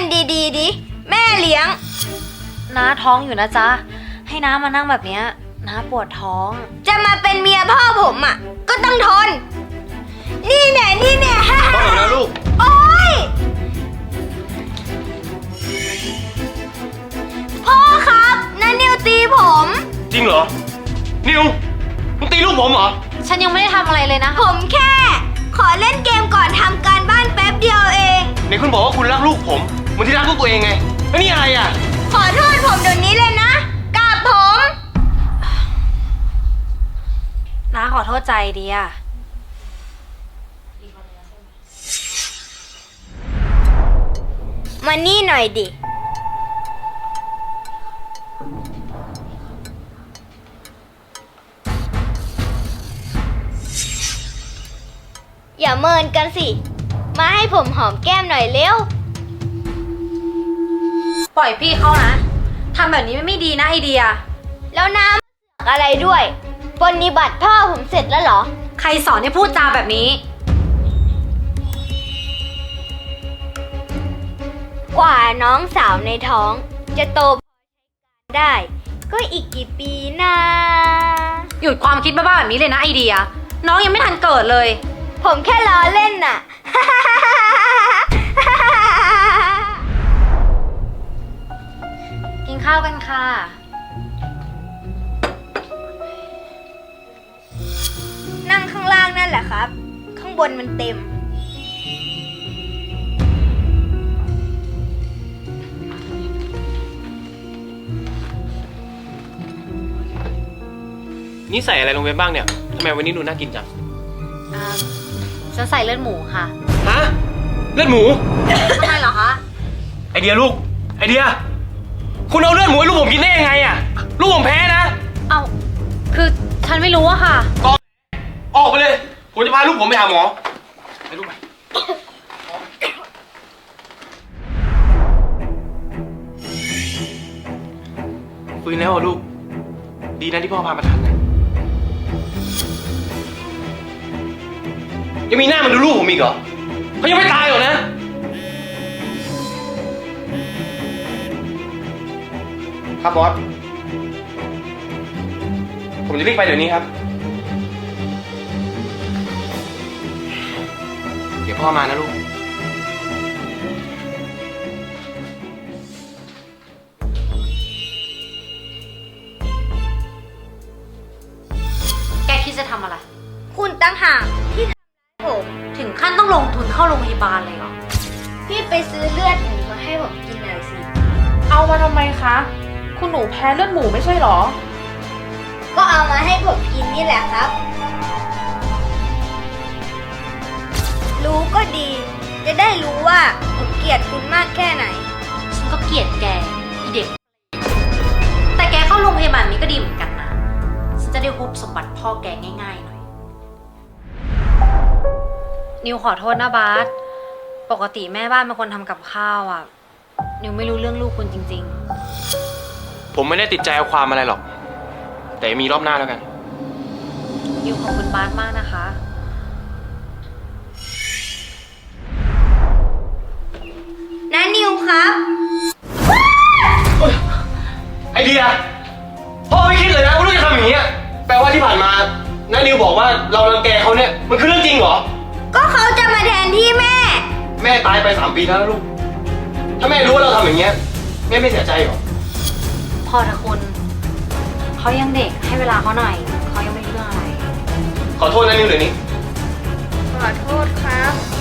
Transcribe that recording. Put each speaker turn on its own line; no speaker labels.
ดีๆดิแม่เลี้ยง
น้าท้องอยู่นะจ๊ะให้น้ามานั่งแบบเนี้ยน้าปวดท้อง
จะมาเป็นเมียพ่อผมอ่ะก็ต้องทนนี่แน่ฮ่า
พ่อหนูนะลูก
โอ๊ยพ่อครับน้านิวตีผม
จริงเหรอนิวมึงตีลูกผมเหรอ
ฉันยังไม่ได้ทำอะไรเลยนะ
ผมแค่ขอเล่นเกมก่อนทำการบ้านแป๊บเดียวเอง
ไหนคุณบอกว่าคุณรักลูกผมเหมือนที่รักลูกตัวเองไงแล้วนี่อะไรอ่ะ
ขอโทษผมเดี๋ยวนี้เลยนะกับผม
น้าขอโทษใจดีอะ
มานี่หน่อยดิอย่าเมินกันสิมาให้ผมหอมแก้มหน่อยเร็ว
ปล่อยพี่เขานะทำแบบนี้ไม่ดีนะไอเดีย
แล้วน้ำอะไรด้วยปฏิบัติพ่อผมเสร็จแล้วเหรอ
ใครสอนให้พูดจาแบบนี้
กว่าน้องสาวในท้องจะโตได้ก็อีกกี่ปีนะ
หยุดความคิดบ้าๆแบบนี้เลยนะไอเดียน้องยังไม่ทันเกิดเลย
ผมแค่ล้อเล่นน่ะ
กินข้าวกันค่ะ
นั่งข้างล่างนั่นแหละครับข้างบนมันเต็ม
นี่ใส่อะไรลงไปบ้างเนี่ยทำไมวันนี้ดูน่ากินจัง
ฉันใส่เลือดหมูค่ะ
ฮะเลือดหมู
ทำไมเหรอคะ
ไอเดียลูกไอเดียคุณเอาเลือดหมูให้ลูกผมกินได้ยังไงอ่ะลูกผมแพ้นะ
เอาคือฉันไม่รู้อะค่ะ
ก็ออกไปเลยผมจะพาลูกผมไปหาหมอไปลูกไปฟื้นแล้วลูกดีนะที่พ่อพามาทันนะยังมีหน้ามันดูลูกผมอีกเหรอเขายังไม่ตายหรอกนะครับบอสผมจะรีบไปเดี๋ยวนี้ครับเดี๋ยวพ่อมานะลูก
แกคิดจะทำอะไร
คุณตั้งหากที่ผม
ถึงขั้นต้องลงทุนเข้าโรงพยาบาลเลยเหรอ
พี่ไปซื้อเลือดหมูมาให้ผมกินหน่อยสิ
เอามาทำไมคะคุณหนูแพ้เลือดหมูไม่ใช่หรอ
ก็เอามาให้ผมกินนี่แหละครับรู้ก็ดีจะได้รู้ว่าผมเกลียดคุณมากแค่ไหน
ฉันก็เกลียดแกอีเด็กแต่แกเข้าโรงพยาบาลนี้ก็ดีเหมือนกันนะฉันจะได้ฮุบสมบัติพ่อแกง่ายๆหน่อยนิวขอโทษนะบาสปกติแม่บ้านเป็นคนทำกับข้าวอ่ะนิวไม่รู้เรื่องลูกคุณจริง
ๆผมไม่ได้ติดใจเอาความอะไรหรอกแต่มีรอบหน้าแล้วกัน
นิวขอบคุณบาสมากนะคะ
น้านิวครับ
ไอเดียพ่อไม่คิดเลยนะว่าลูกจะทำอย่างนี้แปลว่าที่ผ่านมาน้านิวบอกว่าเรารังแกเขาเนี่ยมันคือเรื่องจริงเหรอ
ก็เขาจะมาแทนที่แม่
ตายไป3 ปีแล้วนะลูกถ้าแม่รู้ว่าเราทำอย่างเงี้ยแม่ไม่เสียใจหรอ
พอเถอะคุณเขายังเด็กให้เวลาเขาหน่อยเขายังไม่รู้เรื่องอะไร
ขอโทษนะนิวเดี๋ยวนี้
ขอโทษครับ